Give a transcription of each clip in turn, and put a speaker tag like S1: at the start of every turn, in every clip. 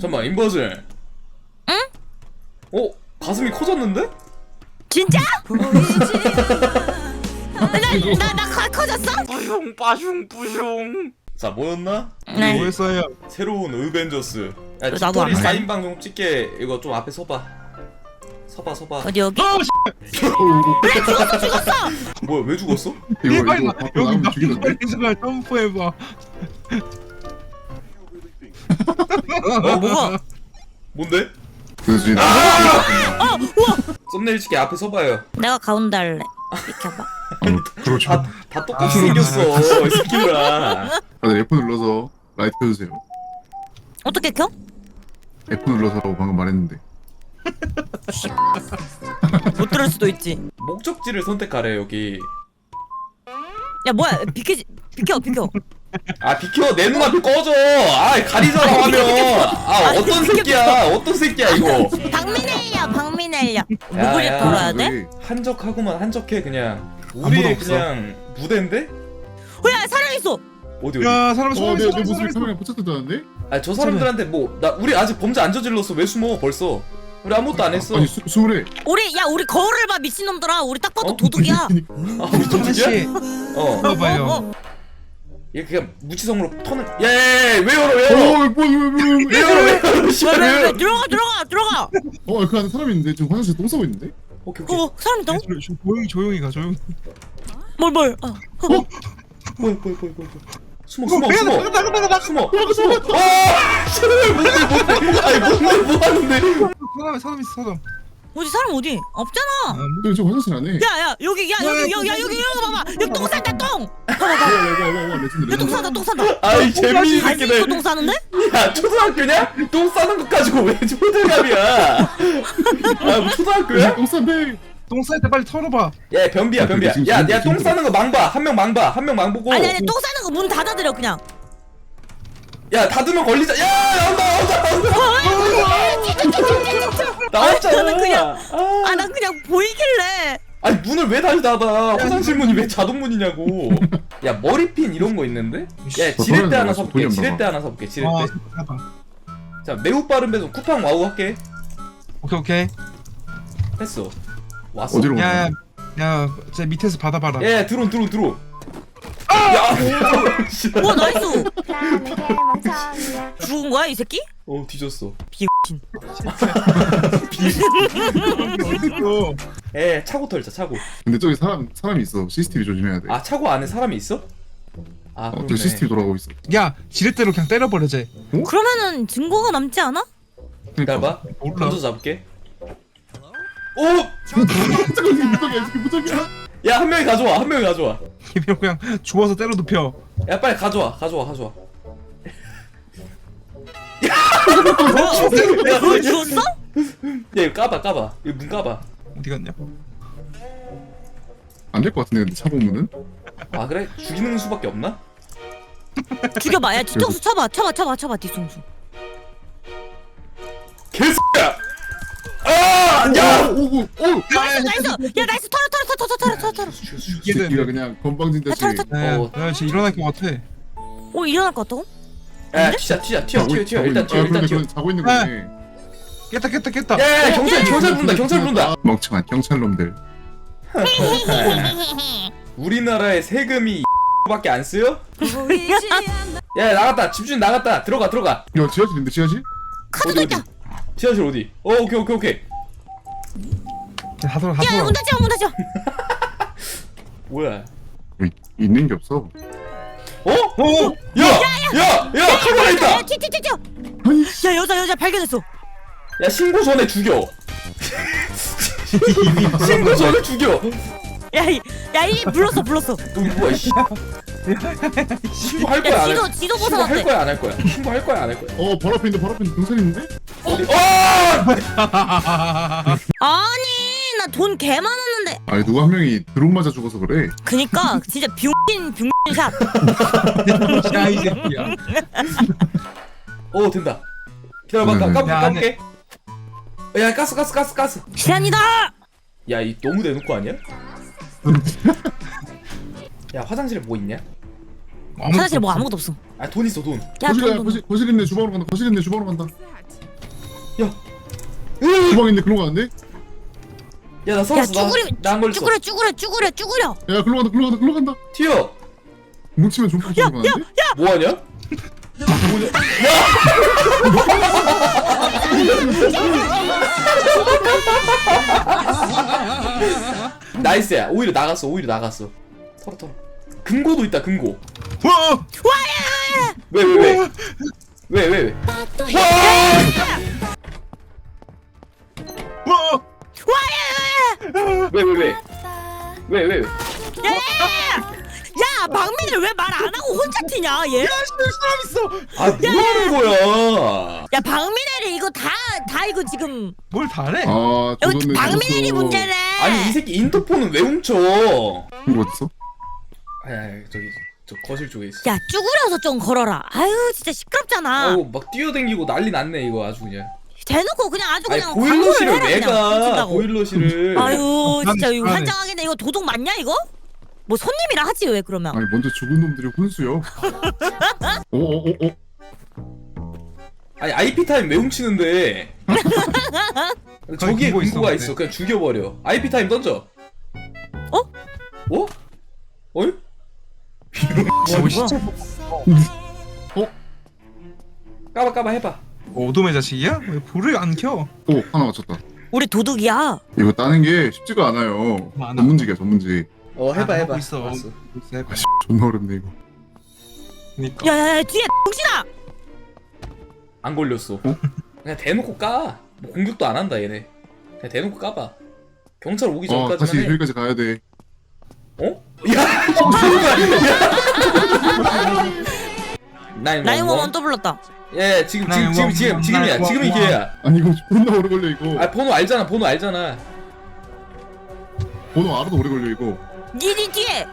S1: 잠깐만 인버즐.
S2: 응?
S1: 어? 가슴이 커졌는데?
S2: 진짜? 나 커졌어?
S1: 뿌숑 빠숑 뿌숑. 자 뭐였나?
S2: 네.
S3: 뭐였어요?
S1: 새로운 어벤져스. 야
S2: 나도
S1: 뒷토리
S2: 안 해.
S1: 4인 방송 찍게. 이거 좀 앞에 서봐. 서봐.
S2: 어디 여기?
S1: 뭐야 왜 죽었어?
S3: 이거
S4: 이거
S3: 여기 나
S4: 죽이는데?
S3: 이걸 점프해봐.
S2: 뭐가?
S1: 뭔데?
S4: 그지.
S1: 썸네일 찍게 앞에 서봐요.
S2: 내가 가운데 할래. 비켜봐.
S4: 그렇죠.
S1: 다 똑같이 생겼어 이 새끼들아.
S4: 다들 F 눌러서 라이트 켜주세요.
S2: 어떻게 켜?
S4: F 눌러서라고 방금 말했는데.
S2: 못 들을 수도 있지.
S1: 목적지를 선택하래 여기.
S2: 야 뭐야? 비켜.
S1: 아 비켜 내 눈앞에 꺼져. 아 가리잖아 화면. 아 어떤 새끼야 이거.
S2: 박민혜야.
S1: 야,
S2: 누구를
S1: 야.
S2: 털어야 돼?
S4: 왜?
S1: 한적하고만 한적해 그냥.
S4: 아무도
S1: 우리
S4: 없어.
S1: 그냥 무대인데?
S2: 야 사람 있어.
S1: 어디?
S3: 야 사람
S4: 내
S3: 사람
S4: 모습이 카메라에 포착됐다는데?
S1: 아 저 사람들한테 뭐 나 우리 아직 범죄 안 저질렀어. 왜 숨어 벌써? 우리 아무것도 안 했어.
S4: 아니 수월해.
S2: 우리 거울을 봐 미친놈들아. 우리 딱 봐도 도둑이야.
S1: 아 우리
S3: 하나
S1: 도둑이야?
S3: 씨.
S1: 어.
S3: 봐봐요.
S1: 얘 그냥 무치성으로 턴을. 야, 왜 열어? 왜 열어? 씨발 왜
S2: 왜
S1: 열어?
S2: 들어가.
S4: 그 안에 사람이 있는데 지금 화장실 똥 싸고 있는데?
S1: 오케이.
S2: 사람 있다고?
S3: 조용히 가 조용히.
S2: 뭘?
S1: 뭐야. 숨어.
S3: 나가.
S1: 숨어. 아! 씨발 뭔데? 아니 뭔데 뭐 하는데?
S3: 사람 있어 사람.
S2: 어디 사람 어디? 없잖아.
S4: 근데 지금 화장실 안 해.
S2: 야 여기 봐봐. 여기 똥 싼다 똥.
S4: 와 레전드
S2: 여기 똥
S4: 레전드.
S2: 싼다.
S1: 아이 재민이
S2: 갈수 있어
S1: 새끼들.
S2: 똥 싸는데?
S1: 야 초등학교냐? 똥 싸는 것 가지고 왜 초등학이야? 아뭐 초등학교야?
S4: 똥 싼데.
S3: 똥 쌀 때 빨리 털어봐.
S1: 야 변비야.
S4: 지금
S1: 야 똥 싸는 거 망봐. 한 명 망보고.
S2: 아니 똥 싸는 거 문 닫아드려 그냥.
S1: 야 닫으면 걸리자. 야 온다. 나왔잖아.
S2: 나는 그냥-
S1: 아.
S2: 난 그냥 보이길래.
S1: 아니 문을 왜 다시 닫아? 화장실 문이 왜 자동 문이냐고. 야 머리핀 이런 거 있는데? 야 지렛대 하나 사볼게.
S4: 돈이 없나
S1: 지렛대
S4: 봐.
S1: 하나 사볼게. 지렛대.
S3: 잠깐만.
S1: 자 매우 빠른 배송 쿠팡 와우 할게.
S3: 오케이.
S1: 했어. 왔어.
S4: 어디로
S3: 야야
S4: 가냐?
S3: 야, 제 밑에서 받아봐라.
S1: 예 드론. 야. 씨발.
S2: 와 나이스. 죽은 거야 이 새끼?
S1: 뒤졌어.
S2: 비신.
S3: 어딨어?
S1: 예 차고 털자 차고.
S4: 근데 저기 사람이 있어. CCTV 조심해야 돼.
S1: 아 차고 안에 사람이 있어? 아 그러네.
S4: 저 CCTV 돌아가고 있어.
S3: 야 지렛대로 그냥 때려버려 쟤.
S2: 그러면은 증거가 남지 않아?
S1: 기다려봐.
S3: 몰라.
S1: 던져 잡을게. 오!
S4: 잠깐만 무적이야 이게 무적이야.
S1: 야 한 명이 가져와.
S3: 이면 그냥 죽어서 때려 눕혀.
S1: 야 빨리 가져와.
S2: 그걸 주웠어?
S1: 야 이거 까봐. 이거 문 까봐.
S3: 어디 갔냐?
S4: 안 될 것 같은데 근데 차 보면은.
S1: 아 그래? 죽이는 수밖에 없나?
S2: 죽여봐. 야 뒤통수 쳐봐 뒤통수.
S1: 개새끼야! 아! 야!
S4: 오오.
S2: 나이스. 야 나이스 털어.
S4: 새끼가 그냥 건방진 듯이.
S3: 야, 쟤 일어날 것 같아.
S2: 일어날 것 같다고?
S1: 야 튀어. 일단 튀어.
S4: 자고 있는 거네.
S3: 깼다.
S1: 야 경찰 부른다.
S4: 멍청한 경찰놈들.
S1: 우리나라의 세금이 밖에 안 쓰여? 야 나갔다. 집주인 나갔다. 들어가.
S4: 야 지하실인데 지하실?
S2: 카드도 있다.
S1: 지하실 어디? 오케이.
S3: 다 돌아.
S2: 야 문 닫혀.
S1: 뭐야?
S4: 있는 게 없어.
S1: 어? 야! 카메라 있다!
S2: 야 튀어. 야 여자 발견했어.
S1: 야 신고 전에 죽여. 신고 전에 죽여.
S2: 야이 불렀어.
S1: 너 뭐야 씨. 신고할 거야 안 할 거야?
S2: 지도
S1: 신고할
S2: 벗어났대.
S1: 거야 안 할 거야? 신고할 거야 안 할 거야?
S4: 바로 앞에 경찰 있는데?
S1: 어디?
S2: 아니 나 돈 개 많았는데.
S4: 아니 누가 한 명이 드론 맞아 죽어서 그래.
S2: 그니까 진짜 병신샷.
S3: 야이 새끼야.
S1: 된다. 기다려봐. 까볼게. 야 가스.
S2: 시안이다.
S1: 야 이 너무 대놓고 아니야? 야 화장실에 뭐 있냐?
S2: 화장실에 뭐 아무것도 없어.
S1: 아 돈 있어 돈.
S2: 야,
S4: 거실 있네 주방으로 간다. 거실 있네 주방으로 간다.
S1: 야.
S4: 주방 있네 글로 가는데?
S1: 야 나
S2: 야,
S1: 살았어. 나안 걸렸어.
S2: 쭈그려.
S4: 야 글로 간다 글로 간다.
S1: 튀어.
S4: 뭉치면 좀 빠져 가는데?
S1: 뭐하냐? 뭐냐? 나이스야. 오히려 나갔어. 털어. 금고도 있다. 금고.
S3: 와!
S1: 왜?
S3: 와!
S1: 왜?
S2: 야, 박민을 왜 말 안 하고 혼자 튀냐, 얘?
S3: 사람 있어.
S1: 아 뭐하는 거야?
S2: 야, 박민혜를 이거 다 이거 지금
S3: 뭘 다래?
S4: 아
S2: 이거
S4: 조졌네
S2: 박민혜이 문제네.
S1: 아니 이 새끼 인터폰은 왜 훔쳐?
S4: 이거 어딨어?
S1: 아니 저기 저 거실 쪽에 있어.
S2: 야, 쭈그려서 좀 걸어라. 아유, 진짜 시끄럽잖아.
S1: 아우 막 뛰어댕기고 난리 났네 이거 아주 그냥.
S2: 대놓고 그냥 아주
S1: 아니
S2: 그냥
S1: 보일러실을
S2: 광고를
S1: 왜
S2: 해라, 그냥.
S1: 가?
S2: 미친다고.
S1: 보일러실을.
S2: 아유, 진짜 이거
S3: 나는-
S2: 환장하겠네. 이거 도둑 맞냐 이거? 뭐 손님이라 하지 왜 그러면?
S4: 아니 먼저 죽은 놈들이 혼수요. 오오오오.
S1: 아니 IP 타임 왜 훔치는데? 저기에
S3: 금고
S1: 금고가
S3: 있어,
S1: 있어. 그냥 죽여버려. IP 타임 던져.
S2: 어?
S1: 어? 어이?
S3: 뭐 진짜
S1: 까봐 해봐.
S3: 어둠의 자식이야? 왜 불을 안 켜?
S4: 오 하나 맞췄다.
S2: 우리 도둑이야.
S4: 이거 따는 게 쉽지가 않아요.
S3: 많아.
S4: 전문직이야 전문직.
S1: 해봐.
S3: 하고 있어.
S1: 알았어.
S4: 아 씨, 존나 어렵네 이거.
S3: 그러니까.
S2: 야야야, 뒤에 정신아.
S1: 안 걸렸어. 그냥 대놓고 까. 뭐 공격도 안 한다 얘네. 그냥 대놓고 까봐. 경찰 오기 전까지만
S4: 다시
S1: 해.
S4: 여기까지 가야 돼.
S1: 어? 야! 뭐야?
S2: 911 또 불렀다.
S1: 예, 지금이야. 지금이 기회야.
S4: 아니 이거 존나 오래 걸려 이거.
S1: 아, 번호 알잖아.
S4: 번호 알아도 오래 걸려 이거.
S2: 니 뒤에.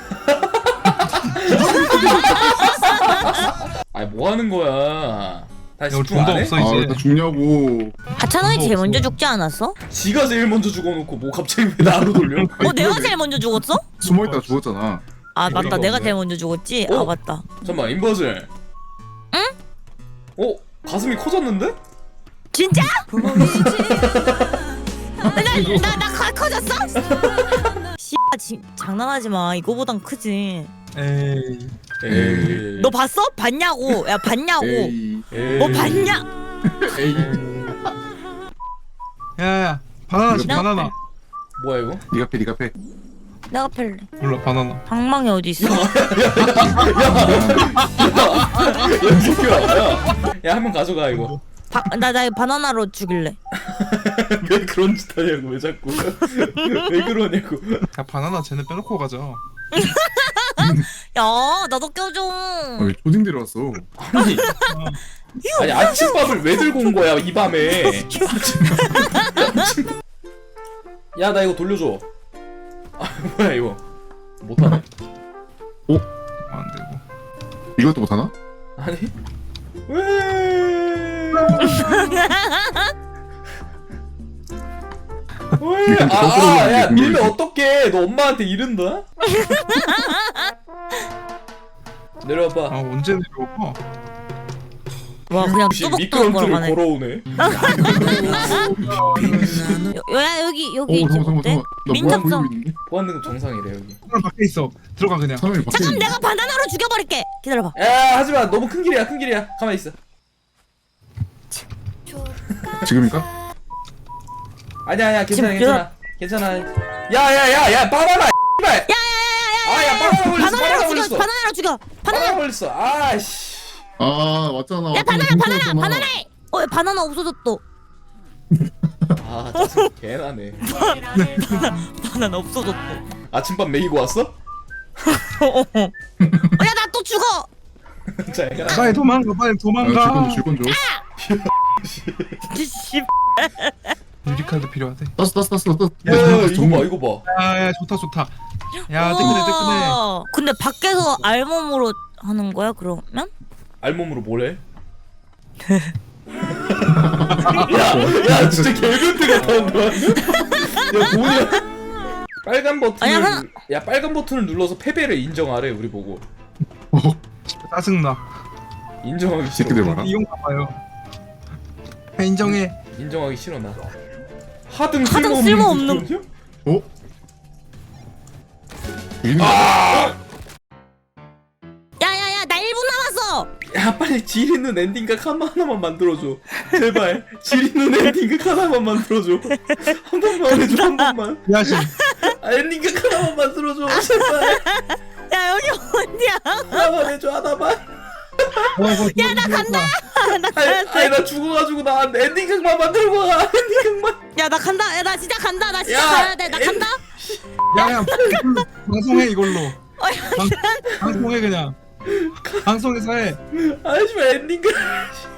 S1: 아, 뭐 하는 거야? 다시
S3: 이거
S1: 집중
S3: 돈도
S1: 안 해?
S3: 없어.
S4: 아
S3: 이제.
S4: 나 죽냐고.
S2: 하찬원이 제일
S3: 없어.
S2: 먼저 죽지 않았어?
S1: 지가 제일 먼저 죽어놓고 뭐 갑자기 왜 나로 돌려?
S2: 어, 내가 제일 먼저 죽었어?
S4: 숨어있다가 죽었잖아.
S2: 아, 맞다.
S3: 그런 거
S2: 내가
S3: 없네.
S2: 제일 먼저 죽었지.
S1: 어?
S2: 아, 맞다.
S1: 잠깐만, 인버슬.
S2: 응?
S1: 어? 가슴이 커졌는데?
S2: 진짜? 나 커졌어? 씨, 장난하지 마. 이거보단 크지.
S3: 에이.
S1: 에이.
S2: 너 봤어? 봤냐고. 야, 봤냐고.
S4: 에이.
S1: 에이.
S2: 뭐 봤냐?
S4: 에이.
S3: 야야. 바나나 씨
S2: 나-
S3: 바나나.
S1: 뭐야 이거?
S4: 니가 패.
S2: 내가 펠래.
S3: 몰라 바나나.
S2: 방망이 어디 있어?
S1: 야, 이 새끼야. 야, 한 명 가져가 이거.
S2: 나 바나나로 죽일래.
S1: 왜 그런 짓 하냐고 왜 자꾸? 왜 그러냐고.
S3: 야 바나나 쟤네 빼놓고 가자.
S2: 야, 나도 껴줘.
S4: 왜 초딩 데려왔어?
S1: 아니 아침밥을 왜 들고 온 거야 이 밤에? 야, 나 이거 돌려줘. 아, 뭐야 이거? 못하네.
S3: 안 되고.
S4: 이것도 못하나?
S1: 아니? 왜? 왜? 야, 밀면 어떡해? 너 엄마한테 이른다? 내려와봐.
S3: 아 언제 내려와?
S2: 와, 그냥
S1: 혹시
S2: 뚜벅뚜벅
S1: 미끄럼틀을
S2: 걸어가네.
S1: 걸어오네.
S2: 야, 여기
S4: 오
S2: 있지
S4: 잠깐만
S2: 어때?
S4: 나
S2: 민첩성.
S4: 뭐야 보이고 있는데?
S1: 보안등급 정상이래 여기.
S3: 사람 밖에 있어. 들어가 그냥.
S4: 사람이 밖에
S2: 잠깐
S4: 있네.
S2: 내가 바나나로 죽여버릴게. 기다려봐.
S1: 야, 하지마. 너무 큰 길이야. 가만히 있어.
S4: 지금일까?
S1: 아니야,
S2: 지금
S1: 괜찮아. 야, 바나나. 야, 바나나 걸렸어.
S2: 바나나로 죽여.
S1: 바나나 걸렸어. 아씨.
S4: 아 왔잖아.
S2: 야, 바나나. 야, 바나나 없어졌어.
S1: 아, 짜증 개나네.
S2: 바나나 없어졌어.
S1: 아침밥 먹이고 왔어?
S2: 야, 나 또 죽어.
S1: 자, 야.
S3: 빨리 도망가.
S4: 줄건 줘.
S2: 씨.
S3: 유리카드 필요하대.
S4: 땄어.
S1: 야, 이거 봐.
S3: 야야 좋다. 야 뜨끈해.
S2: 우와. 근데 밖에서 알몸으로 하는 거야 그러면?
S1: 알몸으로 뭘 해? 야, 진짜 개변태 같았는데. 야, 뭐냐? 빨간 버튼을
S2: 아니야,
S1: 빨간 버튼을 눌러서 패배를 인정하래 우리 보고.
S3: 짜증나.
S1: 인정하기 싫어.
S4: 새끼들 봐라.
S3: 이용가 봐요. 인정해.
S1: 인정하기 싫어 나. 하등
S2: 하등 쓸모없는.
S1: 거냐?
S4: 어? 유인이
S2: 야야야 나 1분 남았어.
S1: 야 빨리 질 있는 엔딩각 하나만 만들어줘. 제발 질 있는 엔딩각 하나만 만들어줘. 한 번만 해줘 한 번만.
S3: 야신.
S1: 아, 엔딩각 하나만 만들어줘 제발.
S2: 야 여기 어디야?
S1: 하나만 해줘 하나만.
S3: 야 나 간다.
S2: 나 가야 돼.
S1: 아니 나 죽어가지고 나 엔딩각만 만들고 가. 엔딩각만.
S2: 야 나 간다. 야 나 진짜 간다. 나 진짜
S1: 야,
S2: 가야 돼. 나 간다.
S3: 야야 방송해 이걸로. 방송해 그냥. 방송에서 해.
S1: 아이씨 엔딩각.